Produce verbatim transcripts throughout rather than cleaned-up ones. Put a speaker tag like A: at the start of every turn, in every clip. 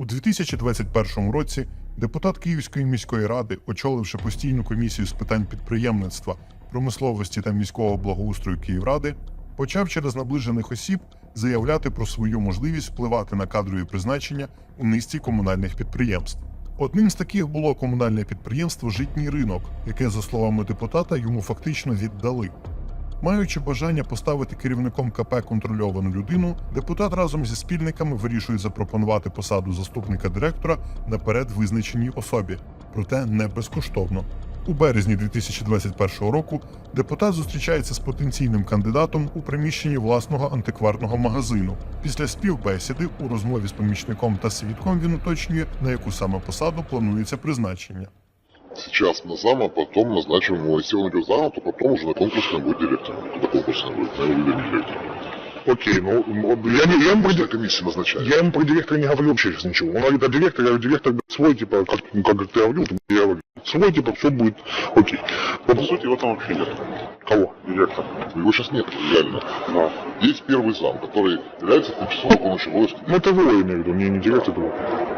A: дві тисячі двадцять першому році депутат Київської міської ради, очоливши постійну комісію з питань підприємництва, промисловості та міського благоустрою Київради, почав через наближених осіб заявляти про свою можливість впливати на кадрові призначення у низці комунальних підприємств. Одним з таких було комунальне підприємство «Житній ринок», яке, за словами депутата, йому фактично віддали. Маючи бажання поставити керівником ка пе контрольовану людину, депутат разом зі спільниками вирішує запропонувати посаду заступника директора наперед визначеній особі, проте не безкоштовно. У березні дві тисячі двадцять першого року депутат зустрічається з потенційним кандидатом у приміщенні власного антикварного магазину. Після співбесіди у розмові з помічником та свідком він уточнює, на яку саме посаду планується призначення.
B: Сейчас на зама, потом назначим его. Если он идет зама, то потом уже на конкурсном будет директор. Когда конкурсный будет, на его выберем директора.
C: Окей, ну я, не, я, ему про,
B: комиссия назначает.
C: я ему про директора не говорю вообще сейчас ничего. Он говорит, а директор, я говорю, директор свой, типа, как, ну, как ты говорил, я говорю, свой, типа, все будет окей.
D: Вот, по сути, его там вообще нет.
C: Кого?
D: Директора.
B: Его сейчас нет, реально.
D: Да.
B: Есть первый зам, который является тимчасово выполняющим обовязки.
C: Ну это его, я имею в виду, не, не директор, это его.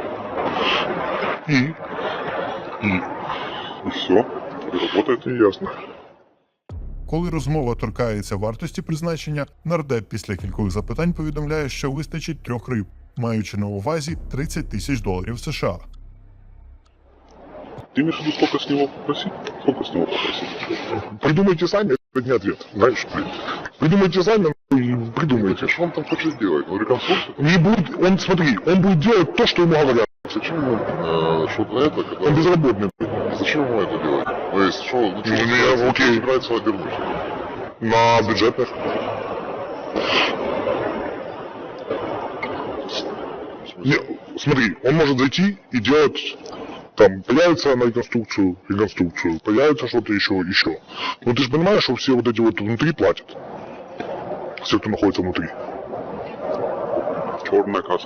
C: И?
D: И? И все. И работает.
C: И ясно.
A: Коли розмова торкається вартості призначення, нардеп після кількох запитань повідомляє, що вистачить трьох риб, маючи на увазі тридцять тисяч доларів США.
D: Ты имеешь в виду, сколько с него попросить? Сколько с него попросить?
C: Придумайте сами, это не ответ, знаешь. Придумайте сами, и придумайте.
B: Что он там хочет делать? Ну, реконструкцию?
C: Не будет, он, смотри, он будет делать то, что ему говорят.
B: Зачем ему э, что-то это, когда...
C: Он безработный.
B: Зачем ему это делать? То есть, что, ну, что,
C: Ну, не,
B: собирается,
C: окей.
B: собирается обернуть?
C: На бюджетных. Не, смотри, он может зайти и делать, там, появится на реконструкцию, реконструкцию, появится что-то еще, еще. Но ты же понимаешь, что все вот эти вот внутри платят. Все, кто находится внутри.
D: Черная касса.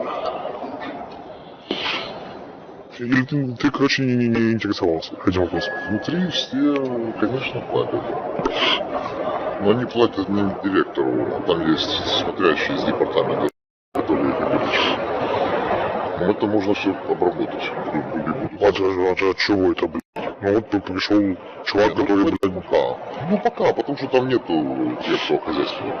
C: Или ты, ты короче, не, не, не интересовался этим вопросом?
B: Внутри все, конечно, платят. Но они платят не директору, а там есть смотрящие из департамента, которые их обеспечивают. Но это можно все обработать.
C: А, а, а чего это, блядь? Ну вот пришел чувак,
B: ну,
C: который,
B: это
C: блядь,
B: пока. Ну пока, потому что там нету тех, хозяйственника.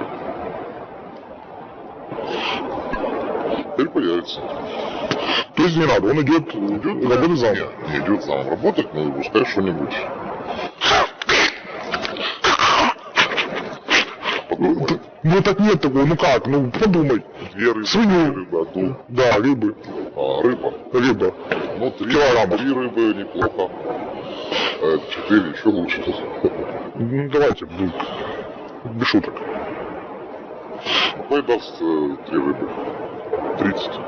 B: Теперь появится.
C: То есть не надо, он идет,
B: Идет
C: работать зам.
B: Нет, не идет зам работать, но пускай что-нибудь. Подумай.
C: Ну так нет такого, ну как, ну подумай.
B: Две рыбы,
C: Свинью.
B: три рыбы, одну.
C: Да, рыбы,
B: А, рыба.
C: рыба.
B: Ну, три,
C: Килограммов.
B: три рыбы неплохо. Э, Четыре еще лучше.
C: Ну давайте, ну, без шуток.
B: Какой даст э, три рыбы? Тридцать.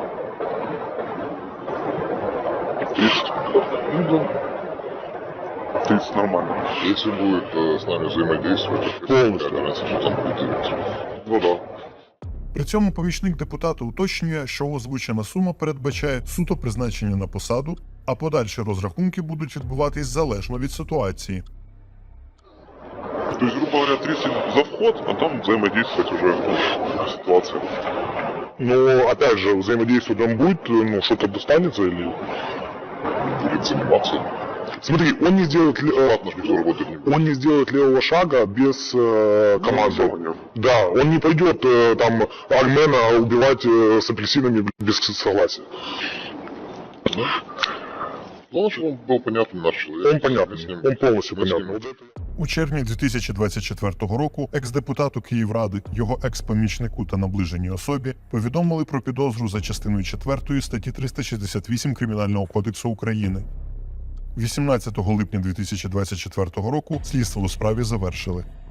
B: Тридцать. Ну да.
D: тридцать нормально.
B: Если будет э, с нами взаимодействовать, то
C: Полностью.
B: какая разница, что там будет делать.
D: Ну да.
A: При цьому помічник депутата уточнює, що озвучена сума передбачає суто призначення на посаду, а подальші розрахунки будуть відбуватись залежно від ситуації.
D: То есть, грубо говоря, тридцать за вход, а там взаимодействовать уже в ситуации.
C: Но опять же, взаимодействовать он будет, ну что-то достанется или...
B: Будет заниматься.
C: Смотри, он не сделает, ли- э,
B: Ладно, никто работать не будет.
C: он не сделает левого шага без э, команды.
D: согласования.
C: Да, он не пойдет э, там Армена убивать э, с апельсинами без согласия.
B: Главное, чтобы он был понятный наш человек.
C: Он понятный,
B: Мы с ним-
C: он полностью
B: мы с ним-
C: понятный. Вот это...
A: У червні дві тисячі двадцять четвертого року екс-депутату Київради, його екс-помічнику та наближеній особі повідомили про підозру за частиною четвертої статті триста шістдесят вісім Кримінального кодексу України. вісімнадцятого липня дві тисячі двадцять четвертого року слідство у справі завершили.